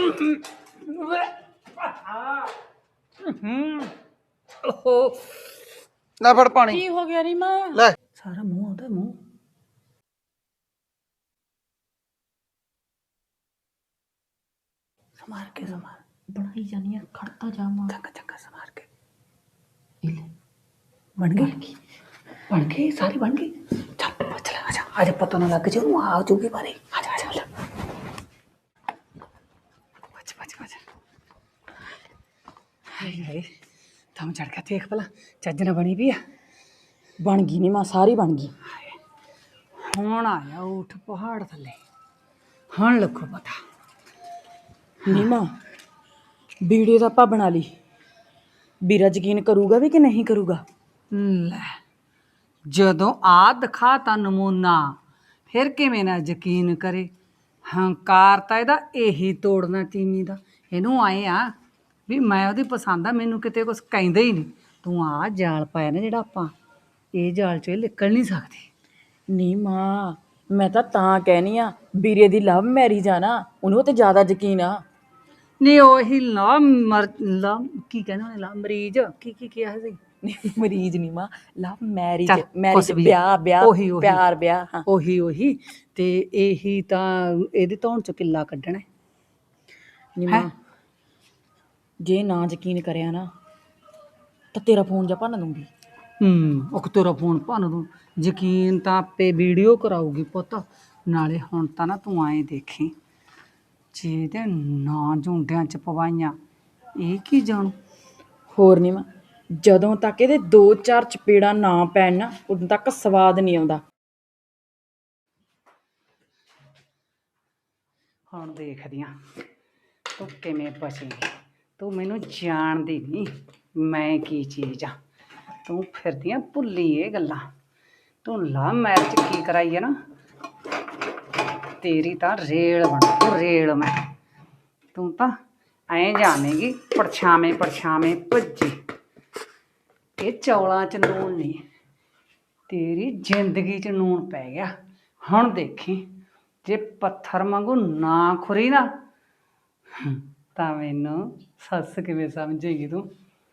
ਲੈ ਫੜ ਪਾਣੀ। ਕੀ ਹੋ ਗਿਆ ਰੀਮਾ? ਲੈ ਸਾਰਾ ਮੂੰਹ ਆਉਂਦਾ ਮੂੰਹ। ਸਮਾਰ ਕੇ ਸਮਾਰ ਬਣਾਈ ਜਾਨੀ ਆ ਖੜਤਾ ਜਾਵਾਂ। ਚੰਗਾ ਚੰਗਾ ਸਮਾਰ ਕੇ। ਇਹ ਲੈ ਬਣ ਗਈ ਸਾਰੀ ਬਣ ਗਈ। ਚੱਲ ਚੱਲ ਆਜਾ ਆਜਾ ਪਤਾ ਨਾ ਲੱਗ ਜੇ ਉਹ ਆ ਜੂਗੀ ਬਾਰੇ। ਆਜਾ ਆਜਾ ਬੱਚ ਬੱਚ ਬੱਚ। ਹਾਏ ਹਾਏ ਦਮ ਚੜ ਗਿਆ। ਦੇਖ ਭਲਾ ਚੱਜ ਨਾਲ ਬਣੀ ਵੀ ਆ। ਬਣ ਗਈ ਨੀ ਮਾਂ ਸਾਰੀ ਬਣ ਗਈ। ਹੁਣ ਆਇਆ ਊਠ ਪਹਾੜ ਥੱਲੇ। ਹੁਣ ਲੱਗੋ ਪਤਾ ਨੀ ਮਾਂ ਵੀਡੀਓ ਤਾਂ ਆਪਾਂ ਬਣਾ ਲਈ। ਵੀਰਾ ਯਕੀਨ ਕਰੂਗਾ ਵੀ ਕਿ ਨਹੀਂ ਕਰੂਗਾ? ਲੈ ਜਦੋਂ ਆ ਦਿਖਾਤਾ ਨਮੂਨਾ ਫਿਰ ਕਿਵੇਂ ਨਾ ਯਕੀਨ ਕਰੇ। ਹੰਕਾਰ ਤਾਂ ਇਹਦਾ ਇਹੀ ਤੋੜਨਾ ਤੀਵੀਂ ਦਾ। ਇਹਨੂੰ ਆਏ ਆ ਵੀ ਮੈਂ ਉਹਦੀ ਪਸੰਦ ਆ, ਮੈਨੂੰ ਕਿਤੇ ਕੁਛ ਕਹਿੰਦਾ ਹੀ ਨਹੀਂ। ਤੂੰ ਆ ਜਾਲ ਪਾਇਆ ਨਾ ਜਿਹੜਾ ਆਪਾਂ, ਇਹ ਜਾਲ 'ਚੋਂ ਇਹ ਨਿਕਲ ਨਹੀਂ ਸਕਦੀ। ਨੀ ਮਾਂ ਮੈਂ ਤਾਂ ਕਹਿਨੀ ਆ ਵੀਰੇ ਦੀ ਲਵ ਮੈਰਿਜ ਆ ਨਾ, ਉਹਨੂੰ ਤੇ ਜ਼ਿਆਦਾ ਯਕੀਨ ਆ। ਨਹੀਂ ਉਹੀ ਕੀ ਕਹਿੰਦੇ ਉਹਨੇ ਮਰੀਜ਼ ਕੀ ਕਿਹਾ ਸੀ? ਮਰੀਜ਼ ਨੀ ਮਾਂ ਲਵ ਮੈਰਿਜ। ਚੱਲ, ਮੈਰਿਜ ਕੁਛ ਵੀ ਆ। ਵਿਆਹ ਉਹੀ ਪਿਆਰ ਵਿਆਹ। ਹਾਂ ਉਹੀ ਤੇ ਇਹੀ ਤਾਂ ਇਹਦੇ ਧੌਣ 'ਚੋਂ ਕਿੱਲਾ ਕੱਢਣਾ। ਨੀ ਮਾਂ ਜੇ ਨਾ ਯਕੀਨ ਕਰਿਆ ਨਾ ਤਾਂ ਤੇਰਾ ਫੋਨ ਜਾ ਭੰਨ ਦੂੰਗੀ। ਉਹ ਤੇਰਾ ਫੋਨ ਭੰਨ ਦੂੰ। ਯਕੀਨ ਤਾਂ ਆਪੇ ਵੀਡੀਓ ਕਰਾਊਗੀ ਪੁੱਤ। ਨਾਲੇ ਹੁਣ ਤਾਂ ਨਾ ਤੂੰ ਆਏ ਦੇਖੀ ਜੇ ਇਹਦੇ ਨਾ ਝੁੰਡਿਆਂ 'ਚ ਪਵਾਈਆਂ ਇਹ ਕੀ ਜਾਣੂ। ਹੋਰ ਨੀ ਮਾਂ ਜਦੋਂ ਤੱਕ ਇਹਦੇ 2-4 ਚਪੇੜਾਂ ਨਾ ਪੈਣ ਨਾ ਉਦੋਂ ਤੱਕ ਸਵਾਦ ਨਹੀਂ ਆਉਂਦਾ। ਹੁਣ ਦੇਖਦੀ ਆਂ ਤੂੰ ਕਿਵੇਂ ਬਚੇਂਗੀ। ਤੂੰ ਮੈਨੂੰ ਜਾਣਦੀ ਨਹੀਂ ਮੈਂ ਕੀ ਚੀਜ਼ ਆ। ਤੂੰ ਫਿਰਦੀ ਆਂ ਭੁੱਲੀ ਇਹ ਗੱਲਾਂ। ਤੂੰ ਲਾ ਮੈਰਿਜ ਕੀ ਕਰਾਈ ਹੈ ਨਾ, ਤੇਰੀ ਤਾਂ ਰੇਲ ਬਣਾ ਰੇਲ। ਤੂੰ ਤਾਂ ਐਂ ਜਾਣੇਗੀ ਪਰਛਾਵੇਂ ਭੱਜੀ। ਇਹ ਚੌਲਾਂ 'ਚ ਨੂਣ ਨਹੀਂ, ਤੇਰੀ ਜ਼ਿੰਦਗੀ 'ਚ ਨੂਣ ਪੈ ਗਿਆ। ਹੁਣ ਦੇਖੀ ਜੇ ਪੱਥਰ ਵਾਂਗੂ ਨਾ ਖੁਰੀ ਨਾ ਤਾਂ ਮੈਨੂੰ ਸੱਸ ਕਿਵੇਂ ਸਮਝੇਗੀ ਤੂੰ।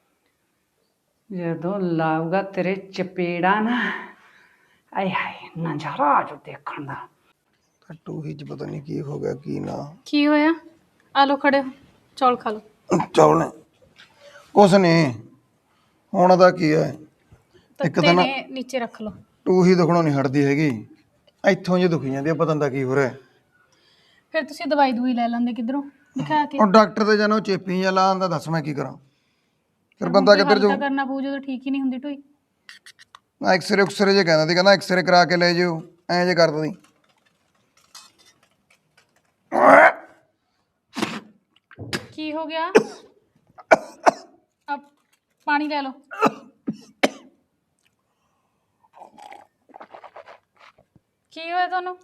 ਜਦੋਂ ਲਾਊਗਾ ਤੇਰੇ ਚਪੇੜਾ ਨਾ, ਆਏ ਹਾਏ ਨਜ਼ਾਰਾ ਆ ਜਾਊ ਦੇਖਣ ਦਾ। ਟੂਹੀ ਚ ਪਤਾ ਨਹੀਂ ਕੀ ਹੋ ਗਿਆ ਕੀ ਨਾ। ਕੀ ਹੋਇਆ? ਆ ਲੋ ਖੜੇ ਹੋ, ਚੌਲ ਖਾ ਲੋ। ਚੌਲ ਨੇ ਕੁਛ ਨਹੀਂ ਹੁਣ ਦਾ ਕੀ ਹੈ। ਇੱਕ ਤਾਂ ਨਾ ਨੀਚੇ ਰੱਖ ਲੋ। ਟੂਹੀ ਦੁਖਣੋਂ ਨਹੀਂ ਹਟਦੀ ਹੈਗੀ, ਇੱਥੋਂ ਜੇ ਦੁਖੀ ਜਾਂਦੀ ਆ। ਪਤਾ ਨਹੀਂ ਕੀ ਹੋ ਰਿਹਾ। ਫਿਰ ਤੁਸੀਂ ਦਵਾਈ ਦੂਈ ਲੈ ਲੈਂਦੇ ਕਿਧਰੋਂ ਦਿਖਾ ਕੇ। ਉਹ ਡਾਕਟਰ ਤੇ ਜਾਣਾ ਚੇਪੀ ਜਾਂ ਲਾਉਂਦਾ, ਦੱਸ ਮੈਂ ਕੀ ਕਰਾਂ। ਫਿਰ ਬੰਦਾ ਕਿੱਧਰ ਜਾਊ। ਕਰਨਾ ਪਊ ਜਦੋਂ ਠੀਕ ਹੀ ਨਹੀਂ ਹੁੰਦੀ ਢੋਈ। ਐਕਸਰੇ ਜੇ ਕਹਿੰਦਾ ਸੀ, ਕਹਿੰਦਾ ਐਕਸਰੇ ਕਰਾ ਕੇ ਲੈ ਜਿਓ। ਐਂ ਜੇ ਕਰਦਾ ਸੀ। ਕੀ ਹੋ ਗਿਆ? ਆ ਪਾਣੀ ਲੈ ਲਓ। ਕੀ ਹੋਇਆ ਤੁਹਾਨੂੰ?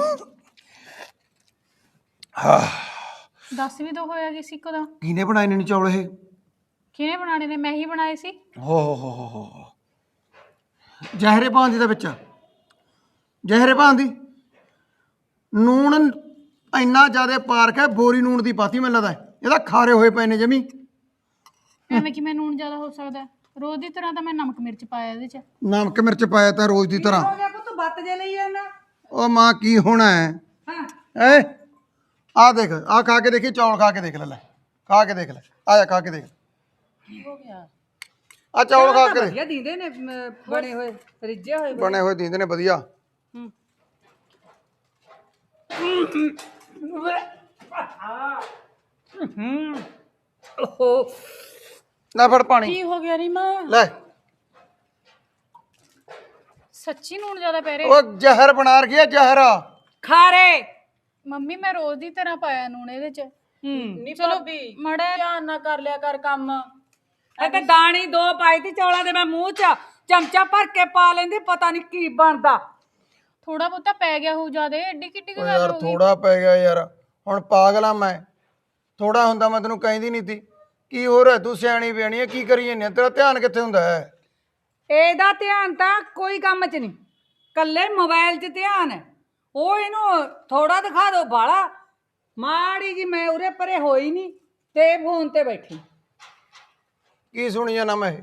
ਦੱਸ ਵੀ ਦੋ ਹੋਇਆ ਕਿਸੇ ਕੋ ਦਾ। ਕਿਹਨੇ ਬਣਾਏ ਨੇ ਚੌਲ ਇਹ? ਕਿਹਨੇ ਬਣਾਣੇ ਨੇ? ਮੈਂ ਹੀ ਬਣਾਏ ਸੀ। ਹੋ ਜ਼ਹਿਰੇ ਪਾਉਂਦੀ ਦਾ ਵਿੱਚ, ਜ਼ਹਿਰੇ ਪਾਉਂਦੀ। ਨੂਣ ਇੰਨਾ ਜ਼ਿਆਦਾ ਪਾਰਕ ਹੈ, ਬੋਰੀ ਨੂਣ ਦੀ ਪਾਤੀ ਮੈਨੂੰ ਲੱਗਦਾ। ਇਹਦਾ ਖਾਰੇ ਹੋਏ ਪਏ ਨੇ ਜਮੀ। ਐਵੇਂ ਕਿਵੇਂ ਨੂਣ ਜ਼ਿਆਦਾ ਹੋ ਸਕਦਾ? ਰੋਜ਼ ਦੀ ਤਰ੍ਹਾਂ ਤਾਂ ਮੈਂ ਨਮਕ ਮਿਰਚ ਪਾਇਆ ਇਹਦੇ 'ਚ। ਨਮਕ ਮਿਰਚ ਪਾਇਆ ਤਾਂ ਰੋਜ਼ ਦੀ ਤਰ੍ਹਾਂ। ਹੋ ਗਿਆ ਪੁੱਤ ਬੱਤ ਜੇ ਲਈ ਜਾਂਦਾ। ਉਹ ਮਾਂ ਕੀ ਹੋਣਾ ਹੈ। ਆ ਦੇਖ, ਆ ਖਾ ਕੇ ਦੇਖੀ ਚੌਲ, ਖਾ ਕੇ ਦੇਖ ਲੈ। ਖਾ ਕੇ ਦੇਖ ਲੈ, ਆ ਜਾ ਖਾ ਕੇ ਦੇਖ। ਹੋ ਗਿਆ ਆ ਚੌਲ ਖਾ ਕੇ ਦੇਖ। ਵਧੀਆ ਦੀਂਦੇ ਨੇ ਬਣੇ ਹੋਏ ਰਿੱਝੇ ਹੋਏ। ਬਣੇ ਹੋਏ ਦਿੰਦੇ ਨੇ ਵਧੀਆ। ਲੈ ਫੜ ਪਾਣੀ। ਕੀ ਹੋ ਗਿਆ ਰੀਮਾ? ਲੈ ਸੱਚੀ ਨੂਣ ਜ਼ਿਆਦਾ ਪੈ ਰਿਹਾ। ਉਹ ਜ਼ਹਿਰ ਬਣਾ ਰਖੀ ਹੈ, ਜ਼ਹਿਰ। ਖਾਰੇ ਮੰਮੀ ਮੈਂ ਰੋਜ਼ ਦੀ ਤਰ੍ਹਾਂ ਪਾਇਆ ਨੂਣ ਇਹਦੇ 'ਚ। ਨਹੀਂ ਚਲੋ ਵੀ ਮੜਾ ਧਿਆਨ ਨਾ ਕਰ ਲਿਆ ਕਰ ਕੰਮ। ਇੱਕ ਦਾਣੀ ਦੋ ਪਾਈ ਤੀ ਚੌਲਾਂ ਦੇ ਮੈਂ ਮੂੰਹ 'ਚ ਚਮਚਾ ਭਰ ਕੇ ਪਾ ਲੈਂਦੀ। ਪਤਾ ਨਹੀਂ ਕੀ ਬਣਦਾ। ਥੋੜਾ ਬਹੁਤਾ ਪੈ ਗਿਆ ਹੋਊ ਜ਼ਿਆਦਾ। ਏਡੀ ਕਿੱਡੀ ਓ ਗੱਲ ਯਾਰ ਹੋ ਗਈ। ਥੋੜਾ ਪੈ ਗਿਆ ਯਾਰ। ਹੁਣ ਪਾਗਲ ਆ ਮੈਂ। ਥੋੜਾ ਹੁੰਦਾ ਮੈਂ ਤੈਨੂੰ ਕਹਿੰਦੀ ਨਹੀਂ ਤੀ। ਕੀ ਹੋ ਰਿਹਾ? ਤੂੰ ਸਿਆਣੀ ਬਿਆਣੀ ਹੈ, ਕੀ ਕਰੀ ਜਾਂਦੀ? ਤੇਰਾ ਧਿਆਨ ਕਿੱਥੇ ਹੁੰਦਾ ਹੈ? ਇਹਦਾ ਧਿਆਨ ਤਾਂ ਕੋਈ ਕੰਮ 'ਚ ਨਹੀਂ, ਕੱਲੇ ਮੋਬਾਈਲ 'ਚ ਧਿਆਨ ਹੈ। ਉਹ ਇਹਨੂੰ ਥੋੜਾ ਦਿਖਾ ਦੋ ਬਾਲਾ ਮਾੜੀ ਜੀ ਮੈਂ ਉਰੇ ਪਰੇ ਹੋਈ ਨਹੀਂ ਤੇ ਫੋਨ ਤੇ ਬੈਠੀ। ਕੀ ਸੁਣੀ ਜਾਣਾ ਮੈਂ ਇਹ?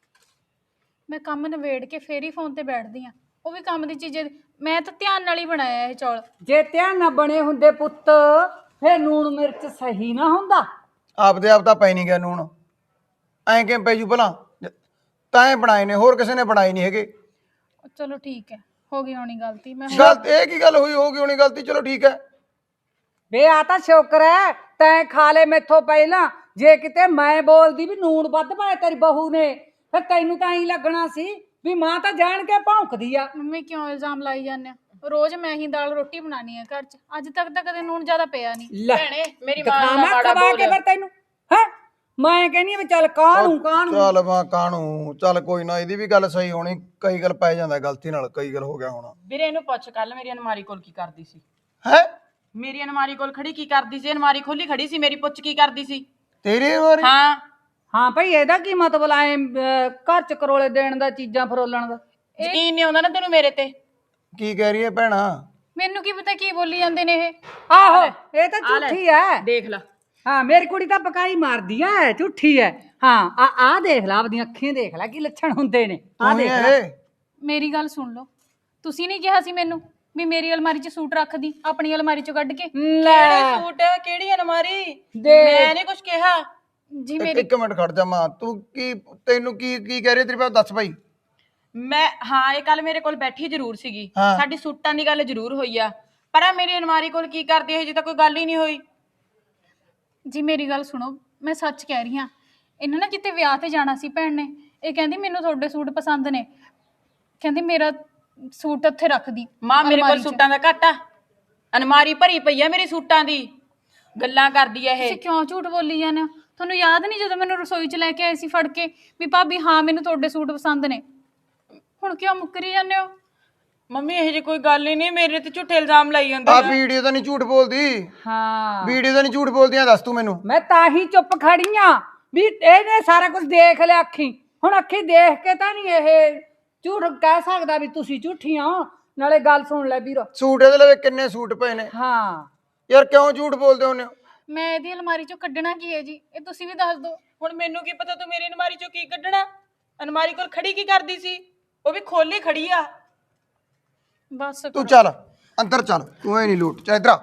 ਮੈਂ ਕੰਮ ਨਵੇੜ ਕੇ ਫੇਰ ਹੀ ਫੋਨ ਤੇ ਬੈਠਦੀ ਆ, ਉਹ ਵੀ ਕੰਮ ਦੀ ਚੀਜ਼। ਮੈਂ ਤਾਂ ਧਿਆਨ ਨਾਲ ਹੀ ਬਣਾਇਆ ਇਹ ਚੌਲ। ਜੇ ਧਿਆਨ ਨਾ ਬਣੇ ਹੁੰਦੇ ਪੁੱਤ ਫੇਰ ਲੂਣ ਮਿਰਚ ਸਹੀ ਨਾ ਹੁੰਦਾ। ਆਪਦੇ ਆਪ ਤਾਂ ਪੈ ਨਹੀਂ ਗਿਆ ਨੂਣ, ਐਂ ਕਿਵੇਂ ਪੈ ਜੂ ਭਲਾ? ਤਾਂ ਇਹ ਬਣਾਏ ਨੇ, ਹੋਰ ਕਿਸੇ ਨੇ ਬਣਾਏ ਨਹੀਂ ਹੈਗੇ। ਚਲੋ ਠੀਕ ਹੈ, ਹੋ ਗਈ ਹੋਣੀ ਗਲਤੀ। ਮੈਂ ਗਲਤ ਇਹ ਕੀ ਗੱਲ ਹੋਈ? ਹੋ ਗਈ ਹੋਣੀ ਗਲਤੀ, ਚਲੋ ਠੀਕ ਹੈ। ਵੇ ਆ ਤਾਂ ਸ਼ੁਕਰ ਹੈ ਤੈਂ ਖਾ ਲੈ ਮੈਥੋਂ ਪਹਿਲਾਂ। ਜੇ ਕਿਤੇ ਮੈਂ ਬੋਲਦੀ ਵੀ ਨੂਣ ਵੱਧ ਪਾਇਆ ਤੇਰੀ ਬਹੂ ਨੇ, ਫਿਰ ਤੈਨੂੰ ਤਾਂ ਐਂ ਲੱਗਣਾ ਸੀ ਵੀ ਮਾਂ ਤਾਂ ਜਾਣ ਕੇ ਭੌਂਕਦੀ ਆ। ਮੰਮੀ ਕਿਉਂ ਇਲਜ਼ਾਮ ਲਾਈ ਜਾਂਦੇ ਆ? ਰੋਜ਼ ਮੈਂ ਹੀ ਦਾਲ ਰੋਟੀ ਬਣਾਉਣੀ ਹੈ ਘਰ 'ਚ, ਅੱਜ ਤੱਕ ਤਾਂ ਕਦੇ ਨੂਣ ਜ਼ਿਆਦਾ ਪਿਆ ਨਹੀਂ। ਭੈਣੇ ਮੇਰੀ ਮਾਂ ਦਾ ਮਾੜਾ ਬੋਲ ਕੇ ਫਿਰ ਤੈਨੂੰ ਹੈ। ਮੈਂ ਕਹਿੰਦੀ ਵੀ ਚੱਲ ਕਾਹਨੂੰ ਚੱਲ ਮਾਂ ਕਾਹਨੂੰ, ਚੱਲ ਕੋਈ ਨਾ, ਇਹਦੀ ਵੀ ਗੱਲ ਸਹੀ ਹੋਣੀ। ਕਈ ਗੱਲ ਪੈ ਜਾਂਦਾ ਗਲਤੀ ਨਾਲ, ਕਈ ਗੱਲ ਹੋ ਗਿਆ ਹੋਣਾ। ਵੀਰੇ ਇਹਨੂੰ ਪੁੱਛ, ਕੱਲ ਮੇਰੀ ਅਨਮਾਰੀ ਕੋਲ ਕੀ ਕਰਦੀ ਸੀ? ਹੈ ਮੇਰੀ ਅਨਮਾਰੀ ਕੋਲ ਖੜੀ ਕੀ ਕਰਦੀ ਸੀ? ਅਨਮਾਰੀ ਖੋਲੀ ਖੜੀ ਸੀ, ਮੇਰੀ ਪੁੱਛ ਕੀ ਕਰਦੀ ਸੀ? ਤੇਰੇ ਵਾਰੀ? ਹਾਂ ਹਾਂ ਭਾਈ ਇਹਦਾ ਕੀ ਮਤਲਬ ਆਏ ਘਰ ਚ ਕਰੋਲੇ ਦੇਣ ਦਾ, ਚੀਜ਼ਾਂ ਫਰੋਲਣ ਦਾ? ਯਕੀਨ ਨਹੀਂ ਆਉਂਦਾ ਨਾ ਤੈਨੂੰ ਮੇਰੇ ਤੇ? ਕੀ ਕਹਿ ਰਹੀ ਹੈ ਭੈਣਾ? ਮੈਨੂੰ ਕੀ ਪਤਾ ਕੀ ਬੋਲੀ ਜਾਂਦੇ ਨੇ ਇਹ। ਆਹੋ ਇਹ ਤਾਂ ਝੂਠੀ ਐ। ਦੇਖ ਲੈ, ਹਾਂ ਮੇਰੀ ਕੁੜੀ ਤਾਂ ਪਕਾਈ ਮਾਰਦੀ ਐ, ਝੂਠੀ ਐ। ਹਾਂ ਆ ਦੇਖ ਲੈ, ਆਪਦੀਆਂ ਅੱਖੀਆਂ ਦੇਖ ਲੈ ਕੀ ਲੱਛਣ ਹੁੰਦੇ ਨੇ। ਆ ਦੇਖ ਲੈ। ਮੇਰੀ ਗੱਲ ਸੁਣ ਲਓ, ਤੁਸੀਂ ਨਹੀਂ ਕਿਹਾ ਸੀ ਮੈਨੂੰ ਵੀ ਮੇਰੀ ਅਲਮਾਰੀ 'ਚ ਸੂਟ ਰੱਖਦੀ, ਆਪਣੀ ਅਲਮਾਰੀ 'ਚੋਂ ਕੱਢ ਕੇ? ਲੈ ਸੂਟ ਕਿਹੜੀ ਅਨਮਾਰੀ? ਦੇ ਮੈਂ ਨਹੀਂ ਕੁਝ ਕਿਹਾ ਜੀ। ਮੇਰੀ ਇੱਕ ਮਿੰਟ ਖੜ ਜਾ ਮਾਂ, ਤੂੰ ਕੀ, ਤੈਨੂੰ ਕੀ ਕਹਿ ਰਹੀ ਤੇਰੀ ਬਾਤ ਦੱਸ ਭਾਈ। ਮੈਂ ਹਾਂ ਇਹ ਕੱਲ ਮੇਰੇ ਕੋਲ ਬੈਠੀ ਜ਼ਰੂਰ ਸੀਗੀ, ਹਾਂ। ਸਾਡੀ ਸੂਟਾਂ ਦੀ ਗੱਲ ਜ਼ਰੂਰ ਹੋਈ ਆ, ਪਰ ਆ ਮੇਰੀ ਅਨਮਾਰੀ ਕੋਲ ਕੀ ਕਰਦੀ ਹੈ? ਜੇ ਤਾਂ ਕੋਈ ਗੱਲ ਹੀ ਨਹੀਂ ਹੋਈ। ਜੀ ਮੇਰੀ ਗੱਲ ਸੁਣੋ, ਮੈਂ ਸੱਚ ਕਹਿ ਰਹੀ ਹਾਂ। ਇਹਨਾਂ ਨਾ ਕਿਤੇ ਵਿਆਹ ਤੇ ਜਾਣਾ ਸੀ ਭੈਣ ਨੇ, ਇਹ ਕਹਿੰਦੀ ਮੈਨੂੰ ਤੁਹਾਡੇ ਸੂਟ ਪਸੰਦ ਨੇ, ਕਹਿੰਦੀ ਮੇਰਾ ਸੂਟ ਉੱਥੇ ਰੱਖਦੀ ਮਾਂ ਮੇਰੇ ਕੋਲ ਅਲਮਾਰੀ 'ਚ। ਸੂਟਾਂ ਦਾ ਘੱਟ ਆ, ਅਨਮਾਰੀ ਭਰੀ ਪਈ ਆ ਮੇਰੀ ਸੂਟਾਂ ਦੀ। ਗੱਲਾਂ ਕਰਦੀ ਆ ਤੁਸੀਂ ਇਹ। ਕਿਉਂ ਝੂਠ ਬੋਲੀ ਜਾਂਦੇ ਹੋ? ਤੁਹਾਨੂੰ ਯਾਦ ਨਹੀਂ ਜਦੋਂ ਮੈਨੂੰ ਰਸੋਈ 'ਚ ਲੈ ਕੇ ਆਏ ਸੀ ਫੜ ਕੇ ਵੀ ਭਾਬੀ ਹਾਂ ਮੈਨੂੰ ਤੁਹਾਡੇ ਸੂਟ ਪਸੰਦ ਨੇ? ਹੁਣ ਕਿਉਂ ਮੁੱਕਰੀ ਜਾਂਦੇ ਹੋ? ਮੰਮੀ ਇਹ ਜੀ ਕੋਈ ਗੱਲ ਹੀ ਨਹੀਂ, ਮੇਰੇ ਤੇ ਝੂਠੇ ਇਲਜ਼ਾਮ ਲਾਈ ਜਾਂਦੇ ਆ ਆ। ਵੀਡੀਓ ਤਾਂ ਨਹੀਂ ਝੂਠ ਬੋਲਦੀ, ਹਾਂ ਵੀਡੀਓ ਤਾਂ ਨਹੀਂ ਝੂਠ ਬੋਲਦੀਆਂ, ਦੱਸ ਤੂੰ ਮੈਨੂੰ। ਮੈਂ ਤਾਂ ਹੀ ਚੁੱਪ ਖੜੀ ਆ ਵੀ ਇਹਨੇ ਸਾਰਾ ਕੁਝ ਦੇਖ ਲਿਆ ਅੱਖੀ। ਹੁਣ ਅੱਖੀ ਦੇਖ ਕੇ ਤਾਂ ਨਹੀਂ ਇਹ ਝੂਠ ਕਹਿ ਸਕਦਾ ਵੀ ਤੁਸੀਂ ਝੂਠੀਆਂ ਹੋ। ਨਾਲੇ ਗੱਲ ਸੁਣ ਲੈ ਵੀਰ। ਸੂਟ ਇਹਦੇ ਲਵੇ ਕਿੰਨੇ ਸੂਟ ਪਏ ਨੇ ਹਾਂ ਯਾਰ, ਕਿਉਂ ਝੂਠ ਬੋਲਦੇ ਹੁੰਦੇ ਹੋ? ਮੈਂ ਇਹਦੀ ਅਲਮਾਰੀ 'ਚੋਂ ਕੱਢਣਾ ਕੀ ਹੈ ਜੀ, ਇਹ ਤੁਸੀਂ ਵੀ ਦੱਸ ਦਿਓ। ਹੁਣ ਮੈਨੂੰ ਕੀ ਪਤਾ ਤੂੰ ਮੇਰੀ ਅਨਮਾਰੀ ਚੋਂ ਕੀ ਕੱਢਣਾ? ਅਨਮਾਰੀ ਕੋਲ ਖੜੀ ਕੀ ਕਰਦੀ ਸੀ? ਉਹ ਵੀ ਖੋਲੀ ਖੜੀ ਆ। ਬਸ ਤੂੰ ਚੱਲ ਅੰਦਰ ਚੱਲ, ਤੂੰ ਐ ਨਹੀਂ ਲੋਟ ਚਾ ਇਧਰ ਆ।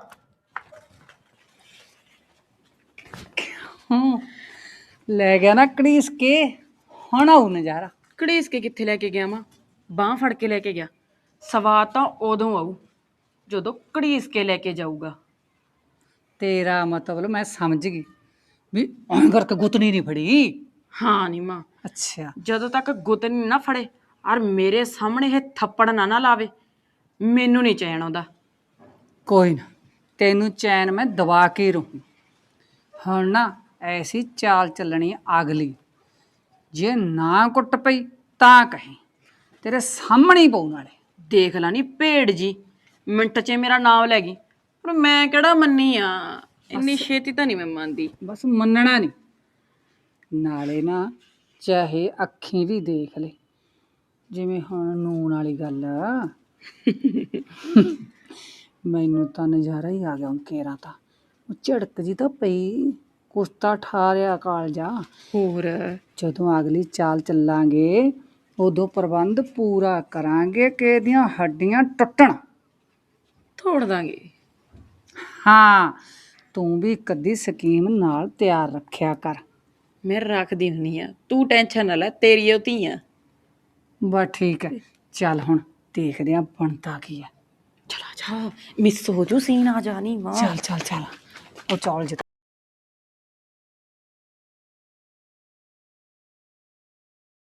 ਲੈ ਗਿਆ ਨਾ ਕੜੀਸ ਕੇ, ਹੁਣ ਆਉ ਨਜ਼ਾਰਾ। ਘੜੀਸ ਕੇ ਕਿੱਥੇ ਲੈ ਕੇ ਗਿਆ ਮਾਂ? ਬਾਹ ਫੜ ਕੇ ਲੈ ਕੇ ਗਿਆ। ਸਵਾਦ ਤਾਂ ਉਦੋਂ ਆਊ ਜਦੋਂ ਘੜੀਸ ਕੇ ਲੈ ਕੇ ਜਾਊਗਾ। ਤੇਰਾ ਮਤਲਬ ਮੈਂ ਸਮਝ ਗਈ ਵੀ ਐਂ ਕਰਕੇ ਗੁੱਤਨੀ ਨਹੀਂ ਫੜੀ। ਹਾਂ ਨੀ ਮਾਂ, ਅੱਛਾ ਜਦੋਂ ਤੱਕ ਗੁੱਤ ਨਹੀਂ ਨਾ ਫੜੇ ਔਰ ਮੇਰੇ ਸਾਹਮਣੇ ਇਹ ਥੱਪੜ ਨਾ ਲਾਵੇ, ਮੈਨੂੰ ਨਹੀਂ ਚੈਨ ਆਉਂਦਾ। ਕੋਈ ਨਾ, ਤੈਨੂੰ ਚੈਨ ਮੈਂ ਦਵਾ ਕੇ ਰਹੂੰ। ਹੁਣ ਨਾ ਐਸੀ ਚਾਲ ਚੱਲਣੀ ਅਗਲੀ, ਜੇ ਨਾ ਕੁੱਟ ਪਈ ਤਾਂ ਕਹੀਂ ਤੇਰੇ ਸਾਹਮਣੇ ਹੀ ਪਊ। ਨਾਲੇ ਦੇਖ ਲਾ ਨੀ ਭੇੜ ਜੀ, ਮਿੰਟ 'ਚ ਮੇਰਾ ਨਾਮ ਲੈ ਗਈ, ਪਰ ਮੈਂ ਕਿਹੜਾ ਮੰਨੀ ਆ? ਇੰਨੀ ਛੇਤੀ ਤਾਂ ਨਹੀਂ ਮੈਂ ਮੰਨਦੀ। ਬਸ ਮੰਨਣਾ ਨਹੀਂ। ਨਾਲੇ ਨਾ ਚਾਹੇ ਅੱਖੀਂ ਵੀ ਦੇਖ ਲੈ, ਜਿਵੇਂ ਹੁਣ ਨੂਣ ਵਾਲੀ ਗੱਲ ਆ। ਮੈਨੂੰ ਤਾਂ ਨਜ਼ਾਰਾ ਹੀ ਆ ਗਿਆ ਹੁਣ। ਕੇਰਾਂ ਤਾਂ ਉਹ ਝੜਕ ਜੀ ਤਾਂ ਪਈ, ਕੁਸਤਾ ਠਾਰਿਆ ਕਾਲਜਾ। ਹੋਰ ਜਦੋਂ ਅਗਲੀ ਚਾਲ ਚੱਲਾਂਗੇ ਉਦੋਂ ਪ੍ਰਬੰਧ ਪੂਰਾ ਕਰਾਂਗੇ ਕਿ ਇਹਦੀਆਂ ਹੱਡੀਆਂ ਟੁੱਟਣ। ਤੋੜ ਦਾਂਗੇ। ਹਾਂ ਤੂੰ ਵੀ ਇੱਕ ਅੱਧੀ ਸਕੀਮ ਨਾਲ ਤਿਆਰ ਰੱਖਿਆ ਕਰ। ਮੈਂ ਰੱਖਦੀ ਹੁੰਨੀ ਆ, ਤੂੰ ਟੈਨਸ਼ਨ ਨਾ ਲੈ, ਤੇਰੀ ਉਹ ਧੀ ਆ। ਬਸ ਠੀਕ ਹੈ, ਚੱਲ ਹੁਣ ਦੇਖਦੇ ਆਂ ਬਣਦਾ ਕੀ ਹੈ। ਚਲਾ ਜਾ, ਮਿਸ ਹੋ ਜੂ ਸੀਨ ਆ ਜਾਣੀ ਮਾਂ। ਚੱਲ ਚੱਲ ਚੱਲ, ਉਹ ਚੌਲ ਜਿਹਾ